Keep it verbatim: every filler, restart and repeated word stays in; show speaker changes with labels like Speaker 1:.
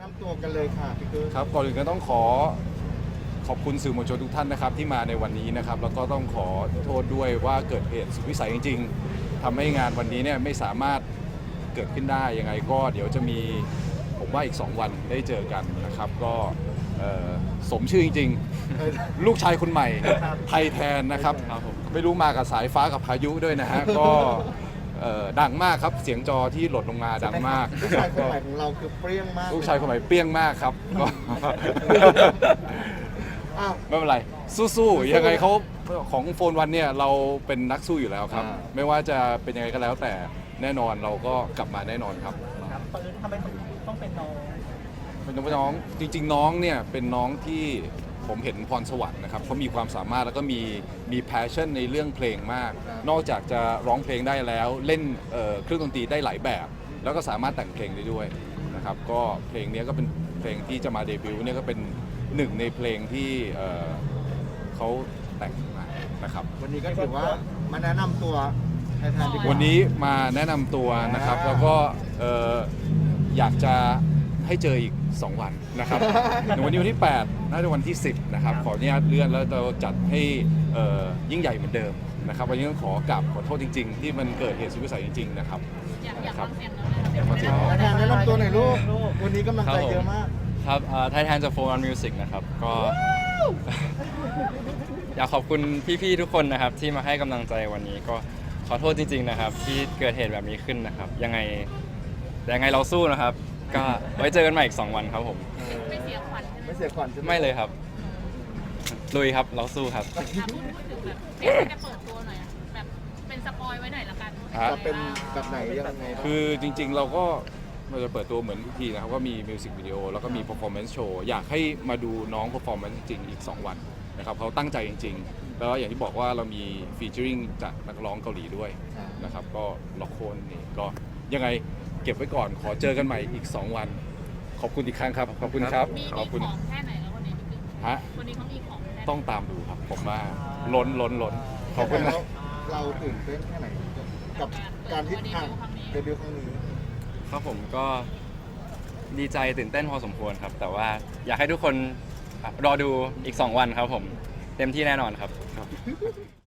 Speaker 1: นำตัวกันเลยค่ะพี่เกิ้ล
Speaker 2: ครับก่อนอื่นก็ต้องขอขอบคุณสื่อมวลชนทุกท่านนะครับที่มาในวันนี้นะครับแล้วก็ต้องขอโทษด้วยว่าเกิดเหตุสุดวิสัยจริงๆทำให้งานวันนี้เนี่ยไม่สามารถเกิดขึ้นได้ยังไงก็เดี๋ยวจะมีผมว่าอีกสองวันได้เจอกันนะครับก็เอ่อสมชื่อจริงๆ ลูกชายคนใหม่ไทยแทนนะครับไม่รู้มากับสายฟ้ากับพายุด้วยนะฮะก็เอ่อดังมากครับเสียงจอที่หล่นลงมาดังมาก
Speaker 1: ลูกชายคนใหม่ของเราคือเปรี้ยงมาก
Speaker 2: ลูกชายคนใหม่เปรี้ยงมากครับก็
Speaker 1: อ้าว
Speaker 2: ไม่เป็นไรสู้ๆยังไงเขาของโฟนวันเนี่ยเราเป็นนักสู้อยู่แล้วครับ
Speaker 1: อ่า
Speaker 2: ไม่ว่าจะเป็นยังไงก็แล้วแต่แน่นอนเราก็กลับมาแน่นอนครับ
Speaker 3: ครับปืนทำไมถึงต้องเป็นน้อง
Speaker 2: เป็นน้องจริงๆน้องเนี่ยเป็นน้องที่ผมเห็นพรสวรรค์นะครับเขามีความสามารถแล้วก็มีมี passion ในเรื่องเพลงมาก นอกจากจะร้องเพลงได้แล้วเล่นเอ่อเครื่องดนตรีได้หลายแบบ แล้วก็สามารถแต่งเพลงได้ด้วยนะครับก็เพลงนี้ก็เป็นเพลงที่จะมาเดบิวต์เนี่ยก็เป็นหนึ่งในเพลงที่เอ่อเขาแต่งมานะครับ
Speaker 1: วันนี้ก็ถือว่ามาแนะนำตัวแทนๆดีกว่า
Speaker 2: วันนี้มาแนะนำตัวนะครับ
Speaker 1: อ่า
Speaker 2: แล้วก็เอ่ออยากจะให้เจออีก สอง วันนะครับ ในวันนี้วันที่แปดน่าจะวันที่สิบนะครับขออนุญาตเลื่อนแล้วเราจัดให้เอ่อยิ่งใหญ่เหมือนเดิมนะครับวันนี้ต้องขอกราบขอโทษจริง ๆ ที่มันเกิดเหตุสุดวิสัยจริง ๆ นะครับ
Speaker 4: อยากอยาก
Speaker 2: ครั
Speaker 4: ฟั
Speaker 2: บ
Speaker 4: งเสียงน้องเลย
Speaker 2: อยากฟังเสียงน้อง
Speaker 1: แทนๆแนะนำตัวหน่อยลูกวันนี้กำลังใจเยอะมาก
Speaker 5: ครับไทยแทนจากโฟร์มิวสิกนะครับก็ อยากขอบคุณพี่ๆทุกคนนะครับที่มาให้กำลังใจวันนี้ก็ขอโทษจริง ๆนะครับ ที่เกิดเหตุแบบนี้ขึ้นนะครับ ยังไงแต่ยังไงเราสู้นะครับ ก็ไว้เจอกันใหม่อีกสองวันครับผม
Speaker 4: ไม่เสียขวัญใช่ไหม
Speaker 1: ไม่เสียขวัญใช่ไหม
Speaker 5: ไม่เลยครับลุยครับเราสู้ครับ
Speaker 4: อ่ะพูดพูดถึงแบบเพลงที่จะเปิดตัวหน่อยอะแบบเป็นสปอยไว้หน่อยละกัน
Speaker 2: ครับ
Speaker 1: จะเป็นแบบไหนยังไงบ้าง
Speaker 2: คือจริงๆเราก็เราจะเปิดตัวเหมือนทุกทีนะครับว่ามีมิวสิกวิดีโอแล้วก็มี performance show อยากให้มาดูน้อง performance จริงๆอีก สอง วันนะครับเขาตั้งใจจริงๆ แล้วอย่างที่บอกว่าเรามี featuring จากนักร้องเกาหลีด้วยนะครับก็ล็อกโคนนี่ก็ยังไงเก็บไว้ก่อนขอเจอกันใหม่อีก สอง วัน ขอบคุณอีกครั้งครับ ขอบคุณครับ
Speaker 4: มี
Speaker 2: ข
Speaker 4: มี
Speaker 2: อบคุณ
Speaker 4: ของแค่ไหนแล้ววันนี้พี่กึ้ง
Speaker 2: ฮะ
Speaker 4: วันนี้เขามีของแค่ไหน
Speaker 2: ต้องตามดูครับผมว่าล้นล้นล้นขอบคุณนะ
Speaker 1: แล้วเราตื่นเต้นแค่ไหนกับการที่ทางเดบิวต์ครั้งนี้
Speaker 5: ครับผมก็ดีใจตื่นเต้นพอสมควรครับ แต่ว่าอยากให้ทุกคนรอดูอีกสองวันครับผมเต็มที่แน่นอนครับ